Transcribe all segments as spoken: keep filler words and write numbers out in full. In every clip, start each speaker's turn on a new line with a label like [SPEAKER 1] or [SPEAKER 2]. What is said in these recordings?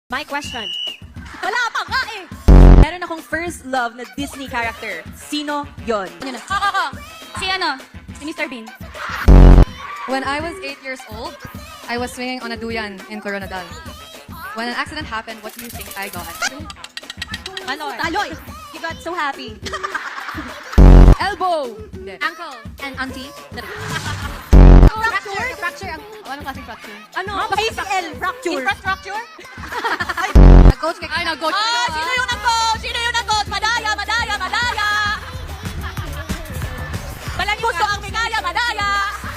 [SPEAKER 1] My question.
[SPEAKER 2] Wala pa nga eh.
[SPEAKER 1] Meron akong first love na Disney character. Sino yon?
[SPEAKER 2] Yun na. Ako, ako. Si ano? Si Mister Bean.
[SPEAKER 3] When I was eight years old, I was swinging on a duyan in Coronadal. When an accident happened, what do you think I got?
[SPEAKER 1] Ano?
[SPEAKER 2] Taloy.
[SPEAKER 1] You got so happy.
[SPEAKER 3] Elbow! Hindi.
[SPEAKER 2] Ankle.
[SPEAKER 3] And auntie?
[SPEAKER 2] Fracture. Fracture. Ang-
[SPEAKER 3] Oh, anong klaseng fracture?
[SPEAKER 1] Ano?
[SPEAKER 2] A C L. Fracture. Infrastructure.
[SPEAKER 3] Nag-coach kay... Ay, nag-coach
[SPEAKER 2] Ah, sino yung nag-coach? Sino yung nag-coach? Madaya, madaya, madaya. Balang gusto ang bigaya, madaya.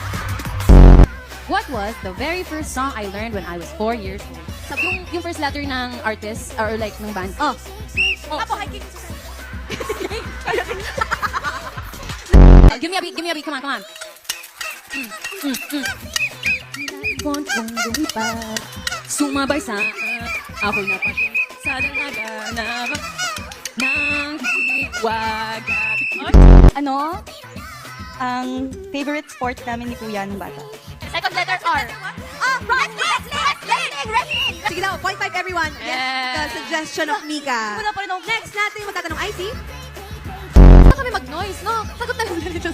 [SPEAKER 4] What was the very first song I learned when I was four years old? Sabi yung, yung first letter ng artist, or like ng band. Oh,
[SPEAKER 2] Apo, ay, King Susan.
[SPEAKER 4] give me a beat, give me a beat, come on, come on. Want kong lumipad, sumabay sa ako'y napasya sa dalaga ng hiwag.
[SPEAKER 5] Ano? Ang favorite sport namin ni Kuya nung bata.
[SPEAKER 2] Second letter R. Ah, wrestling! Wrestling! Wrestling!
[SPEAKER 6] Sige daw, point five everyone.
[SPEAKER 3] Yeah.
[SPEAKER 6] The suggestion of Mika.
[SPEAKER 2] Wala pa rin ako.
[SPEAKER 6] Next natin magtatanong, I C.
[SPEAKER 3] Basta kami mag-noise, no? Sagot na lang ganito.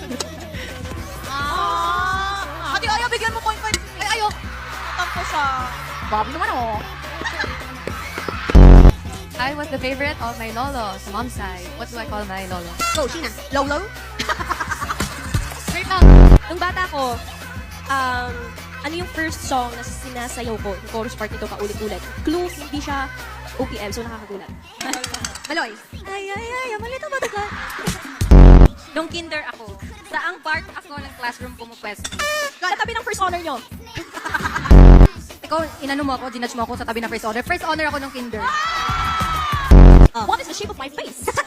[SPEAKER 2] Ah! Ate, ayaw, bigyan mo point five.
[SPEAKER 3] Ay, ayo!
[SPEAKER 2] Tampo siya.
[SPEAKER 3] Bobby naman, oh. I was the favorite of my lolo sa mom's side. What do I call my lolo?
[SPEAKER 6] Go, Sheena. Lolo.
[SPEAKER 3] Straight lang.
[SPEAKER 1] Nung bata ko, um, ano yung first song na sinasayaw ko? Yung chorus part nito paulit-ulit. Clue, hindi siya O P M, so nakakagulat.
[SPEAKER 6] Maloy.
[SPEAKER 2] Ay, ay, ay, malito ba ito?
[SPEAKER 1] Nung kinder ako,
[SPEAKER 3] Saang part ako ng classroom pumupwesto?
[SPEAKER 1] sa tabi ng first honor nyo.
[SPEAKER 3] Ikaw, inano mo ako, ginudge mo ako sa tabi ng first honor. First honor ako nung kinder.
[SPEAKER 1] What is the shape of my face?